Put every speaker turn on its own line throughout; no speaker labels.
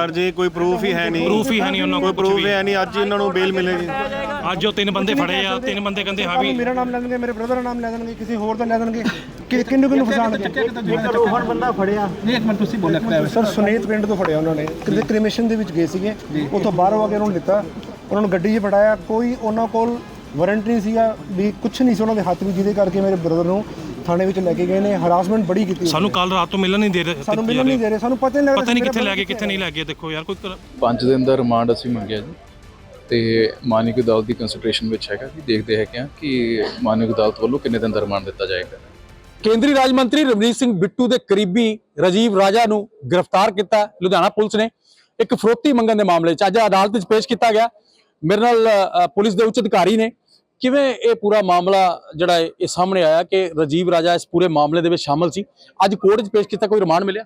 Sir जी कोई proof ही है नहीं, कोई प्रूफ है नहीं। अज इन्होंने बेल मिलेगी।
ਅੱਜ ਉਹ 3 ਬੰਦੇ ਫੜੇ ਆ, 3 ਬੰਦੇ ਕਹਿੰਦੇ ਹਾਂ ਵੀ
ਮੇਰਾ ਨਾਮ ਲੈ ਦੇਣਗੇ, ਮੇਰੇ ਬ੍ਰਦਰ ਦਾ ਨਾਮ ਲੈ ਦੇਣਗੇ, ਕਿਸੇ ਹੋਰ ਦਾ ਲੈ ਦੇਣਗੇ, ਕਿੰਨੂੰ ਫਸਾਣਗੇ।
ਰੋਹਨ ਬੰਦਾ ਫੜਿਆ ਨਹੀਂ, ਇੱਕ ਮਿੰਟ ਤੁਸੀਂ ਬੋਲਿਆ
ਸਰ ਸੁਨੇਤ ਪਿੰਡ ਤੋਂ ਫੜਿਆ ਉਹਨਾਂ ਨੇ, ਕਿਤੇ ਕ੍ਰਿਮੇਸ਼ਨ ਦੇ ਵਿੱਚ ਗਏ ਸੀਗੇ, ਉੱਥੋਂ ਬਾਹਰੋਂ ਆ ਕੇ ਉਹਨਾਂ ਨੂੰ ਲਿੱਤਾ, ਉਹਨਾਂ ਨੂੰ ਗੱਡੀ 'ਚ ਬਿਠਾਇਆ। ਕੋਈ ਉਹਨਾਂ ਕੋਲ ਵਾਰੰਟ ਨਹੀਂ ਸੀਗਾ ਵੀ ਕੁਛ ਨਹੀਂ ਸੀ ਉਹਨਾਂ ਦੇ ਹੱਥ ਵਿੱਚ, ਜਿਹਦੇ ਕਰਕੇ ਮੇਰੇ ਬ੍ਰਦਰ ਨੂੰ ਥਾਣੇ ਵਿੱਚ ਲੈ ਕੇ ਗਏ ਨੇ। ਹਰਾਸਮੈਂਟ ਬੜੀ ਕੀਤੀ।
ਸਾਨੂੰ ਕੱਲ ਰਾਤ ਤੋਂ ਮਿਲਣ ਨਹੀਂ ਦੇ ਰਹੇ,
ਸਾਨੂੰ ਮਿਲਣ ਨਹੀਂ ਦੇ ਰਹੇ, ਸਾਨੂੰ ਪਤਾ ਨਹੀਂ
ਪਤਾ ਨਹੀਂ ਕਿੱਥੇ ਲੈ ਕੇ ਕਿੱਥੇ ਨਹੀਂ ਲੈ ਕੇ। ਦੇਖੋ ਯਾਰ ਕੋਈ
5 ਦਿਨ ਦਾ ਰਿਮਾਂਡ ਅਸੀਂ ਮੰਗਿਆ ਜੀ, ਤੇ ਮਾਨਯੋਗ ਅਦਾਲਤ ਦੀ ਕੰਸੀਡਰੇਸ਼ਨ ਵਿੱਚ ਹੈਗਾ ਕਿ ਦੇਖਦੇ ਹੈਗੇ ਆ ਕਿ ਮਾਨਯੋਗ ਅਦਾਲਤ ਵੱਲੋਂ ਕਿੰਨੇ ਦਿਨ ਦਾ ਰਿਮਾਂਡ ਦਿੱਤਾ ਜਾਏਗਾ।
ਕੇਂਦਰੀ ਰਾਜ ਮੰਤਰੀ ਰਵਨੀਤ ਸਿੰਘ ਬਿੱਟੂ ਦੇ ਕਰੀਬੀ ਰਾਜੀਵ ਰਾਜਾ ਨੂੰ ਗ੍ਰਿਫਤਾਰ ਕੀਤਾ ਲੁਧਿਆਣਾ ਪੁਲਿਸ ਨੇ ਇੱਕ ਫਰੋਤੀ ਮੰਗਣ ਦੇ ਮਾਮਲੇ 'ਚ। ਅੱਜ ਅਦਾਲਤ 'ਚ ਪੇਸ਼ ਕੀਤਾ ਗਿਆ। ਮੇਰੇ ਨਾਲ ਪੁਲਿਸ ਦੇ ਉੱਚ ਅਧਿਕਾਰੀ ਨੇ। ਕਿਵੇਂ ਇਹ ਪੂਰਾ ਮਾਮਲਾ ਜਿਹੜਾ ਇਹ ਸਾਹਮਣੇ ਆਇਆ ਕਿ ਰਾਜੀਵ ਰਾਜਾ ਇਸ ਪੂਰੇ ਮਾਮਲੇ ਦੇ ਵਿੱਚ ਸ਼ਾਮਲ ਸੀ? ਅੱਜ ਕੋਰਟ 'ਚ ਪੇਸ਼ ਕੀਤਾ, ਕੋਈ ਰਿਮਾਂਡ ਮਿਲਿਆ?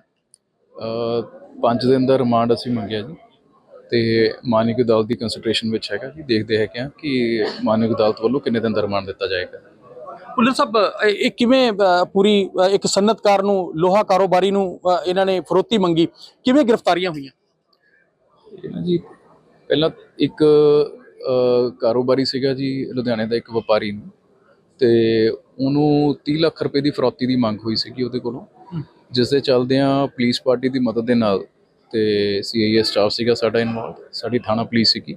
5 ਦਿਨ ਦਾ ਰਿਮਾਂਡ ਅਸੀਂ ਮੰਗਿਆ ਜੀ, ਤੇ ਮਾਨਯੋਗ ਅਦਾਲਤ ਦੀ ਕੰਸੀਡਰੇਸ਼ਨ ਵਿੱਚ ਹੈਗਾ ਕਿ ਦੇਖਦੇ ਹੈਗੇ ਆ ਕਿ ਮਾਨਯੋਗ ਅਦਾਲਤ ਵੱਲੋਂ ਕਿੰਨੇ ਦਿਨ ਦਾ ਰਿਮਾਂਡ ਦਿੱਤਾ ਜਾਏਗਾ।
ਪੁਲਿਸ ਸਾਹਿਬ ਇਹ ਕਿਵੇਂ ਪੂਰੀ ਇੱਕ ਸਨਅਤਕਾਰ ਨੂੰ, ਲੋਹਾ ਕਾਰੋਬਾਰੀ ਨੂੰ ਇਹਨਾਂ ਨੇ ਫਰੋਤੀ ਮੰਗੀ, ਕਿਵੇਂ ਗ੍ਰਿਫਤਾਰੀਆਂ ਹੋਈਆਂ?
ਇਹਨਾਂ ਜੀ ਪਹਿਲਾਂ ਇੱਕ ਕਾਰੋਬਾਰੀ ਸੀਗਾ ਜੀ ਲੁਧਿਆਣੇ ਦਾ, ਇੱਕ ਵਪਾਰੀ ਨੂੰ, ਤੇ ਉਹਨੂੰ 30 ਲੱਖ ਰੁਪਏ ਦੀ ਫਰੌਤੀ ਦੀ ਮੰਗ ਹੋਈ ਸੀਗੀ ਉਹਦੇ ਕੋਲੋਂ, ਜਿਸ ਦੇ ਚੱਲਦਿਆਂ ਪੁਲਿਸ ਪਾਰਟੀ ਦੀ ਮਦਦ ਦੇ ਨਾਲ ਤੇ CIA ਸਟਾਫ ਸੀਗਾ ਸਾਡਾ ਇਨਵੋਲਵ, ਸਾਡੀ ਥਾਣਾ ਪੁਲਿਸ ਸੀਗੀ,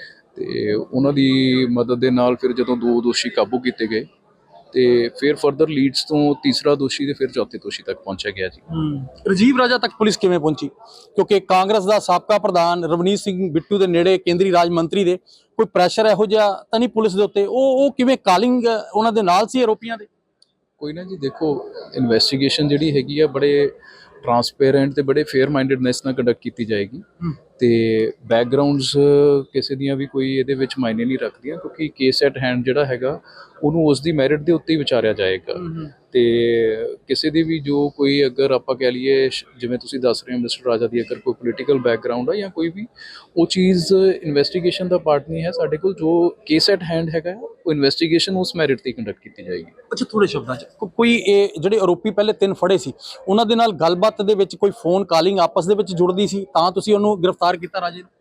ਤੇ ਉਹਨਾਂ ਦੀ ਮਦਦ ਦੇ ਨਾਲ ਫਿਰ ਜਦੋਂ 2 ਦੋਸ਼ੀ ਕਾਬੂ ਕੀਤੇ ਗਏ, ਤੇ ਫਿਰ ਫਰਦਰ ਲੀਡਸ ਤੋਂ ਤੀਸਰਾ ਦੋਸ਼ੀ ਤੇ ਫਿਰ ਚੌਥੇ ਦੋਸ਼ੀ ਤੱਕ ਪਹੁੰਚਿਆ ਗਿਆ ਜੀ।
ਰਾਜੀਵ ਰਾਜਾ ਤੱਕ ਪੁਲਿਸ ਕਿਵੇਂ ਪਹੁੰਚੀ? ਕਿਉਂਕਿ ਕਾਂਗਰਸ ਦਾ ਸਾਬਕਾ ਪ੍ਰਧਾਨ ਰਵਨੀਤ ਸਿੰਘ ਬਿੱਟੂ ਦੇ ਨੇੜੇ ਕੇਂਦਰੀ ਰਾਜ ਮੰਤਰੀ ਦੇ ਕੋਈ ਪ੍ਰੈਸ਼ਰ ਇਹੋ ਜਿਹਾ ਤਾਂ ਨਹੀਂ ਪੁਲਿਸ ਦੇ ਉੱਤੇ? ਉਹ ਕਿਵੇਂ ਕਾਲਿੰਗ ਉਹਨਾਂ ਦੇ ਨਾਲ ਸੀ ਆਰੋਪੀਆਂ ਦੇ?
ਕੋਈ ਨਾ ਜੀ, ਦੇਖੋ ਇਨਵੈਸਟੀਗੇਸ਼ਨ ਜਿਹੜੀ ਹੈਗੀ ਆ ਬੜੇ ਟਰਾਂਸਪੇਰੈਂਟ ਤੇ ਬੜੇ ਫੇਅਰ ਮਾਈਂਡਡਨੈਸ ਨਾਲ ਕੰਡਕਟ ਕੀਤੀ ਜਾਏਗੀ, ਤੇ ਬੈਕਗਰਾਉਂਡਸ ਕਿਸੇ ਦੀਆਂ ਵੀ ਕੋਈ ਇਹਦੇ ਵਿੱਚ ਮਾਇਨੇ ਨਹੀਂ ਰੱਖਦੀਆਂ, ਕਿਉਂਕਿ ਕੇਸ ਐਟ ਹੈਂਡ ਜਿਹੜਾ ਹੈਗਾ ਉਹਨੂੰ ਉਸ ਦੀ ਮੈਰਿਟ ਦੇ ਉੱਤੇ ਹੀ ਵਿਚਾਰਿਆ ਜਾਏਗਾ। ਤੇ ਕਿਸੇ ਦੀ ਵੀ ਜੋ ਕੋਈ ਅਗਰ ਆਪਾਂ ਕਹਿ ਲਈਏ, ਜਿਵੇਂ ਤੁਸੀਂ ਦੱਸ ਰਹੇ ਹੋ ਮਿਸਟਰ ਰਾਜਾ ਦੀ ਅਗਰ ਕੋਈ ਪੋਲੀਟੀਕਲ ਬੈਕਗਰਾਉਂਡ ਆ ਜਾਂ ਕੋਈ ਵੀ, ਉਹ ਚੀਜ਼ ਇਨਵੈਸਟੀਗੇਸ਼ਨ ਦਾ ਪਾਰਟ ਨਹੀਂ ਹੈ ਸਾਡੇ ਕੋਲ। ਜੋ ਕੇਸ ਐਟ ਹੈਂਡ ਹੈਗਾ ਉਹ ਇਨਵੈਸਟੀਗੇਸ਼ਨ ਉਸ ਮੈਰਿਟ ਤੇ ਕੰਡਕਟ ਕੀਤੀ ਜਾਏਗੀ।
ਅੱਛਾ, ਥੋੜੇ ਸ਼ਬਦਾਂ 'ਚ ਕੋਈ ਇਹ ਜਿਹੜੇ ਆਰੋਪੀ ਪਹਿਲੇ 3 ਫੜੇ ਸੀ, ਉਹਨਾਂ ਦੇ ਨਾਲ ਗੱਲਬਾਤ ਦੇ ਵਿੱਚ ਕੋਈ ਫੋਨ ਕਾਲਿੰਗ ਆਪਸ ਦੇ ਵਿੱਚ ਜੁੜਦੀ ਸੀ ਤਾਂ ਤੁਸੀਂ ਉਹਨੂੰ ਗ੍ਰਿਫਤਾਰ ਕੀਤਾ ਰਾਜੇ ਨੂੰ?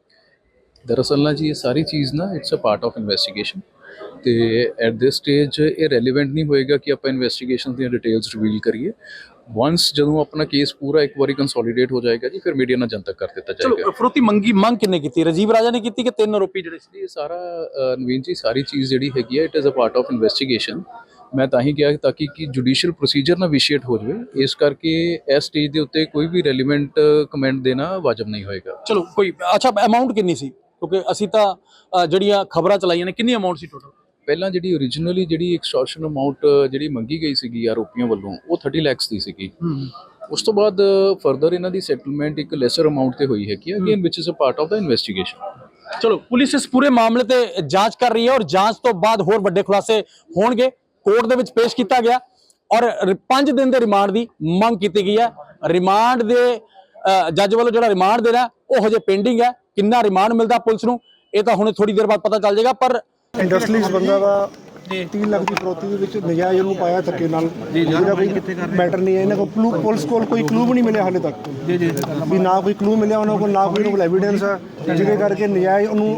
ਦਰਅਸਲ ਨਾ ਜੀ ਇਹ ਸਾਰੀ ਚੀਜ਼ ਨਾ it's a part of investigation, ਤੇ ਐਟ ਦਿਸ ਸਟੇਜ ਇਹ ਰੈਲੇਵੈਂਟ ਨਹੀਂ ਹੋਏਗਾ ਕਿ ਆਪਾਂ ਇਨਵੈਸਟੀਗੇਸ਼ਨ ਦੀਆਂ ਡਿਟੇਲਸ ਰਿਵੀਲ ਕਰੀਏ। ਵਾਂਸ ਜਦੋਂ ਆਪਣਾ ਕੇਸ ਪੂਰਾ ਇੱਕ ਵਾਰੀ ਕੰਸੋਲੀਡੇਟ ਹੋ ਜਾਏਗਾ ਜੀ, ਫਿਰ ਮੀਡੀਆ ਨਾਲ ਜਨਤਕ ਕਰ ਦਿੱਤਾ ਜਾਏਗਾ।
ਚਲੋ, ਫਰੋਤੀ ਮੰਗ ਕਿੰਨੇ ਕੀਤੀ? ਰਾਜੀਵ ਰਾਜਾ ਨੇ ਕੀਤੀ ਕਿ 3 ਆਰੋਪੀ ਜਿਹੜੇ ਸੀ?
ਇਹ ਸਾਰਾ ਨਵੀਨ ਜੀ ਸਾਰੀ ਚੀਜ਼ ਜਿਹੜੀ ਹੈਗੀ ਹੈ it is a part of investigation. ਮੈਂ ਤਾਂ ਹੀ ਕਿਹਾ ਤਾਂ ਕਿ ਜੁਡੀਸ਼ੀਅਲ ਪ੍ਰੋਸੀਜਰ ਨਾ ਵਿਸ਼ੀਏਟ ਹੋ ਜਾਵੇ, ਇਸ ਕਰਕੇ ਇਸ ਸਟੇਜ ਦੇ ਉੱਤੇ ਕੋਈ ਵੀ ਰੈਲੀਵੈਂਟ ਕਮੈਂਟ ਦੇਣਾ ਵਾਜਬ ਨਹੀਂ ਹੋਏਗਾ।
ਚਲੋ ਕੋਈ ਅੱਛਾ, ਅਮਾਉਂਟ ਕਿੰਨੀ ਸੀ? ਕਿਉਂਕਿ ਅਸੀਂ ਤਾਂ ਜਿਹੜੀਆਂ ਖਬਰਾਂ ਚਲਾਈਆਂ ਨੇ, ਕਿੰਨੀ ਅਮਾਉਂਟ ਸੀ ਟੋਟਲ?
ਪਹਿਲਾਂ ਜਿਹੜੀ ਓਰੀਜਨਲੀ ਜਿਹੜੀ ਐਕਸਟੋਰਸ਼ਨ ਅਮਾਉਂਟ ਜਿਹੜੀ ਮੰਗੀ ਗਈ ਸੀਗੀ ਆਰੋਪੀਆਂ ਵੱਲੋਂ, ਉਹ 30 ਲੱਖ ਦੀ ਸੀਗੀ। ਉਸ ਤੋਂ ਬਾਅਦ ਫਰਦਰ ਇਹਨਾਂ ਦੀ ਸੈਟਲਮੈਂਟ ਇੱਕ ਲੈਸਰ ਅਮਾਉਂਟ ਤੇ ਹੋਈ ਹੈਗੀ, ਅਗੇਨ ਵਿਚ ਇਜ਼ ਅ ਪਾਰਟ ਆਫ ਦਾ ਇਨਵੈਸਟੀਗੇਸ਼ਨ।
ਚਲੋ, ਪੁਲਿਸ ਇਸ ਪੂਰੇ ਮਾਮਲੇ ਤੇ ਜਾਂਚ ਕਰ ਰਹੀ ਹੈ, ਔਰ ਜਾਂਚ ਤੋਂ ਬਾਅਦ ਹੋਰ ਵੱਡੇ ਖੁਲਾਸੇ ਹੋਣਗੇ। ਕੋਰਟ ਦੇ ਵਿੱਚ ਪੇਸ਼ ਕੀਤਾ ਗਿਆ ਔਰ 5 ਦਿਨ ਦੇ ਰਿਮਾਂਡ ਦੀ ਮੰਗ ਕੀਤੀ ਗਈ ਹੈ। ਰਿਮਾਂਡ ਦੇ ਜੱਜ ਵੱਲੋਂ ਜਿਹੜਾ ਰਿਮਾਂਡ ਦੇਣਾ ਉਹ ਹਜੇ ਪੈਂਡਿੰਗ ਹੈ। ਕਿੰਨਾ ਰਿਮਾਂਡ ਮਿਲਦਾ ਪੁਲਿਸ ਨੂੰ ਇਹ ਤਾਂ ਹੁਣੇ ਥੋੜੀ ਦੇਰ ਬਾਅਦ ਪਤਾ ਚੱਲ ਜਾਏਗਾ। ਪਰ
ਇੰਡਸਟਰੀਜ਼ ਬੰਦਾ ਦਾ 30 ਲੱਖ ਦੀ ਫਰੋਤੀ ਦੇ ਵਿੱਚ ਨਜਾਇਜ਼ ਉਹਨੂੰ ਪਾਇਆ ਧੱਕੇ ਨਾਲ, ਜਿਹਦਾ ਕੋਈ ਮੈਟਰ ਨਹੀਂ ਹੈ। ਇਹਨਾਂ ਕੋਲ ਪੁਲਿਸ ਕੋਲ ਕੋਈ ਕਲੂ ਵੀ ਨਹੀਂ ਮਿਲਿਆ ਹਾਲੇ ਤੱਕ, ਵੀ ਨਾ ਕੋਈ ਕਲੂ ਮਿਲਿਆ ਉਹਨਾਂ ਕੋਲ, ਨਾ ਕੋਈ ਐਵੀਡੈਂਸ ਹੈ, ਜਿਹਦੇ ਕਰਕੇ ਨਜਾਇਜ਼ ਉਹਨੂੰ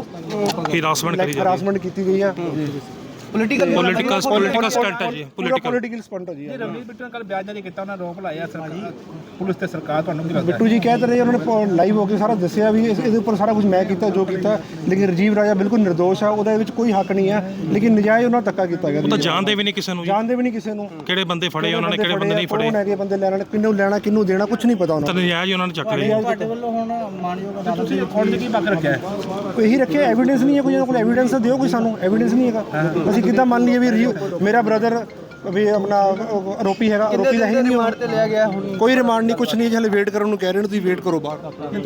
ਹਰਾਸਮੈਂਟ ਕੀਤੀ ਗਈ ਹੈ।
ਪੋਲੀਟੀਕਲ ਸਟੰਟ ਹੈ ਜੀ,
ਪੋਲੀਟੀਕਲ ਸਟੰਟ ਹੈ ਜੀ।
ਰਵਨੀਤ ਬਿੱਟੂ ਨੇ ਕੱਲ ਬਿਆਨ ਜਾਰੀ ਕੀਤਾ, ਉਹਨਾਂ ਰੋਪ ਲਾਇਆ ਸਰਕਾਰ, ਪੁਲਿਸ ਤੇ ਸਰਕਾਰ। ਤੁਹਾਨੂੰ ਕੀ ਲੱਗਦਾ?
ਬਿੱਟੂ ਜੀ ਕਹਿ ਤਾਂ ਰਹੇ, ਉਹਨਾਂ ਨੇ ਲਾਈਵ ਹੋ ਕੇ ਸਾਰਾ ਦੱਸਿਆ ਵੀ ਇਹਦੇ ਉੱਪਰ ਸਾਰਾ ਕੁਝ ਮੈਂ ਕੀਤਾ ਜੋ ਕੀਤਾ, ਲੇਕਿਨ ਰਾਜੀਵ ਰਾਜਾ ਬਿਲਕੁਲ ਨਿਰਦੋਸ਼ ਆ, ਉਹਦੇ ਵਿੱਚ ਕੋਈ ਹੱਕ ਨਹੀਂ ਹੈ, ਲੇਕਿਨ ਨਜਾਇਜ਼ ਉਹਨਾਂ ਧੱਕਾ ਕੀਤਾ ਗਿਆ।
ਉਹ ਤਾਂ ਜਾਣਦੇ ਵੀ ਨਹੀਂ ਕਿਸੇ ਨੂੰ, ਕਿਹੜੇ ਬੰਦੇ ਫੜੇ ਉਹਨਾਂ ਨੇ, ਕਿਹੜੇ ਬੰਦੇ ਨਹੀਂ ਫੜੇ,
ਹੈਗੇ ਬੰਦੇ ਲੈਣ, ਕਿਹਨੂੰ ਲੈਣਾ ਕਿਹਨੂੰ ਦੇਣਾ, ਕੁਝ ਨਹੀਂ ਪਤਾ ਉਹਨਾਂ
ਨੂੰ। ਨਜਾਇਜ਼ ਉਹਨਾਂ ਨੇ ਚੱਕ ਲਿਆ।
ਤੁਹਾਡੇ ਵੱਲੋਂ ਹੁਣ ਮਾਨਯੋਗ ਅਦਾਲਤ ਤੁਸੀਂ ਕੋਰਟ ਦੇ ਕੀ ਪੱਖ ਰੱਖਿਆ?
ਇਹੀ ਰੱਖਿਆ, ਐਵੀਡੈਂਸ ਨਹੀਂ ਹੈ ਕੋਈ, ਕੋਲ ਐਵੀਡੈਂਸ ਦਿਓ ਕੋਈ ਸਾਨੂੰ। ਐਵੀਡੈਂਸ ਨਹੀਂ ਹੈਗਾ, ਅਸੀਂ ਕਿੱਦਾਂ ਮੰਨ ਲਈਏ ਵੀ ਮੇਰਾ ਬ੍ਰਦਰ ਵੀ ਆਪਣਾ ਆਰੋਪੀ ਹੈਗਾ? ਆਰੋਪੀ ਦਾ ਹੀ ਨਹੀਂ ਰਿਮਾਂਡ ਤੇ ਲਿਆ ਗਿਆ, ਕੋਈ ਰਿਮਾਂਡ ਨਹੀਂ, ਕੁਝ ਨਹੀਂ, ਹਲੇ ਵੇਟ ਕਰਨ ਨੂੰ ਕਹਿ ਰਹੇ ਨੇ, ਤੁਸੀਂ ਵੇਟ ਕਰੋ ਬਾਹਰ।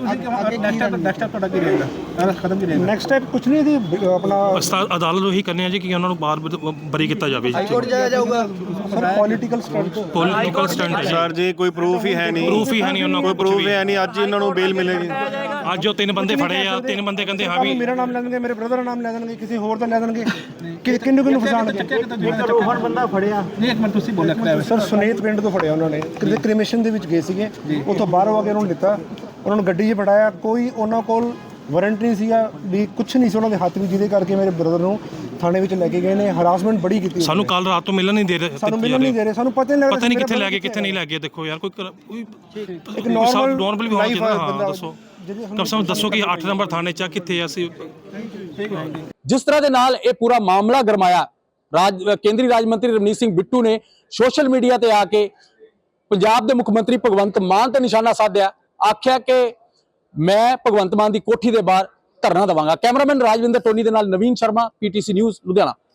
ਨੈਕਸਟ ਸਟੈਪ ਤੁਹਾਡਾ ਕੀ ਰਹੇਗਾ? ਕਦਮ ਕੀ ਰਹੇਗਾ?
ਨੈਕਸਟ ਸਟੈਪ ਕੁਝ ਨਹੀਂ, ਦੀ ਆਪਣਾ
ਅਦਾਲਤ ਉਹੀ ਕਰਨੀ ਹੈ ਜੀ ਕਿ ਉਹਨਾਂ ਨੂੰ ਬਾਹਰ ਬਰੀ ਕੀਤਾ ਜਾਵੇ।
ਹਾਈ ਕੋਰਟ ਜਾਇਆ ਜਾਊਗਾ ਸਰ। ਪੋਲੀਟੀਕਲ
ਸਟੰਟ
ਸਰ ਜੀ ਕੋਈ ਪ੍ਰੂਫ ਹੀ ਹੈ ਨਹੀਂ,
ਉਹਨਾਂ
ਕੋਈ ਪ੍ਰੂਫ ਹੈ ਨਹੀਂ। ਅੱਜ ਇਹਨਾਂ ਨੂੰ ਬੇਲ ਮਿਲੇਗੀ।
ਅੱਜ ਉਹ 3 ਬੰਦੇ ਫੜੇ ਆ, 3 ਬੰਦੇ ਕਹਿੰਦੇ ਹਾਂ ਵੀ
ਮੇਰਾ ਨਾਮ ਲੈ ਦੇਣਗੇ, ਮੇਰੇ ਬ੍ਰਦਰ ਦਾ ਨਾਮ ਲੈ ਦੇਣਗੇ, ਕਿਸੇ ਹੋਰ ਦਾ ਲੈ ਦੇਣਗੇ, ਕਿੰਨੂੰ ਫਸਾਣਗੇ।
ਰੋਹਨ ਬੰਦਾ ਫੜਿਆ ਨਹੀਂ, ਇੱਕ ਮਿੰਟ ਤੁਸੀਂ ਬੋਲਿਆ
ਸਰ ਸੁਨੇਤ ਪਿੰਡ ਤੋਂ ਫੜਿਆ ਉਹਨਾਂ ਨੇ, ਕਿਤੇ ਕ੍ਰਿਮੇਸ਼ਨ ਦੇ ਵਿੱਚ ਗਏ ਸੀਗੇ, ਉੱਥੋਂ ਬਾਹਰੋਂ ਆ ਕੇ ਉਹਨਾਂ ਨੂੰ ਲਿੱਤਾ, ਉਹਨਾਂ ਨੂੰ ਗੱਡੀ 'ਚ ਬਿਠਾਇਆ, ਕੋਈ ਉਹਨਾਂ ਕੋਲ ਵਾਰੰਟ ਨਹੀਂ ਸੀਗਾ ਵੀ ਕੁਝ ਨਹੀਂ ਸੀ ਉਹਨਾਂ ਦੇ ਹੱਥ ਵਿੱਚ, ਜਿਹਦੇ ਕਰਕੇ ਮੇਰੇ ਬ੍ਰਦਰ ਨੂੰ ਥਾਣੇ ਵਿੱਚ ਲੈ ਕੇ ਗਏ ਨੇ, ਹਰਾਸਮੈਂਟ ਬੜੀ ਕੀਤੀ।
ਸਾਨੂੰ ਕੱਲ ਰਾਤ ਤੋਂ ਮਿਲਣ ਨਹੀਂ ਦੇ ਰਹੇ,
ਸਾਨੂੰ ਮਿਲਣ ਨਹੀਂ ਦੇ ਰਹੇ, ਸਾਨੂੰ ਪਤਾ ਨਹੀਂ ਲੱਗਦਾ
ਪਤਾ ਨਹੀਂ ਕਿੱਥੇ ਲੈ ਗਏ ਕਿੱਥੇ ਨਹੀਂ ਲੈ ਗਏ। ਦੇਖੋ ਯਾਰ ਕੋਈ
ਇੱਕ ਨਾਰਮਲ
ਵੀ ਹੋਣਾ ਚਾਹੀਦਾ। ਹਾਂ
ਬੰਦਾ
ਦੱਸੋ, ਕਮ ਸੇ ਕਮ ਦੱਸੋ ਕਿ 8 ਨੰਬਰ ਥਾਣੇ 'ਚ ਕਿੱਥੇ ਆ ਅਸੀਂ।
ਜਿਸ ਤਰ੍ਹਾਂ ਦੇ ਨਾਲ ਇਹ ਪੂਰਾ ਮਾਮਲਾ ਗਰਮਾਇਆ, ਕੇਂਦਰੀ ਰਾਜ ਮੰਤਰੀ ਰਵਨੀਤ ਸਿੰਘ ਬਿੱਟੂ ਨੇ ਸੋਸ਼ਲ ਮੀਡੀਆ ਤੇ ਆ ਕੇ ਪੰਜਾਬ ਦੇ ਮੁੱਖ ਮੰਤਰੀ ਭਗਵੰਤ ਮਾਨ ਤੇ ਨਿਸ਼ਾਨਾ ਸਾਧਿਆ, ਆਖਿਆ ਕਿ ਮੈਂ ਭਗਵੰਤ ਮਾਨ ਦੀ ਕੋਠੀ ਦੇ ਬਾਹਰ ਧਰਨਾ ਦੇਵਾਂਗਾ। ਕੈਮਰਾਮੈਨ ਰਾਜਵਿੰਦਰ ਟੋਨੀ ਦੇ ਨਾਲ ਨਵੀਨ ਸ਼ਰਮਾ, PTC ਨਿਊਜ਼ ਲੁਧਿਆਣਾ।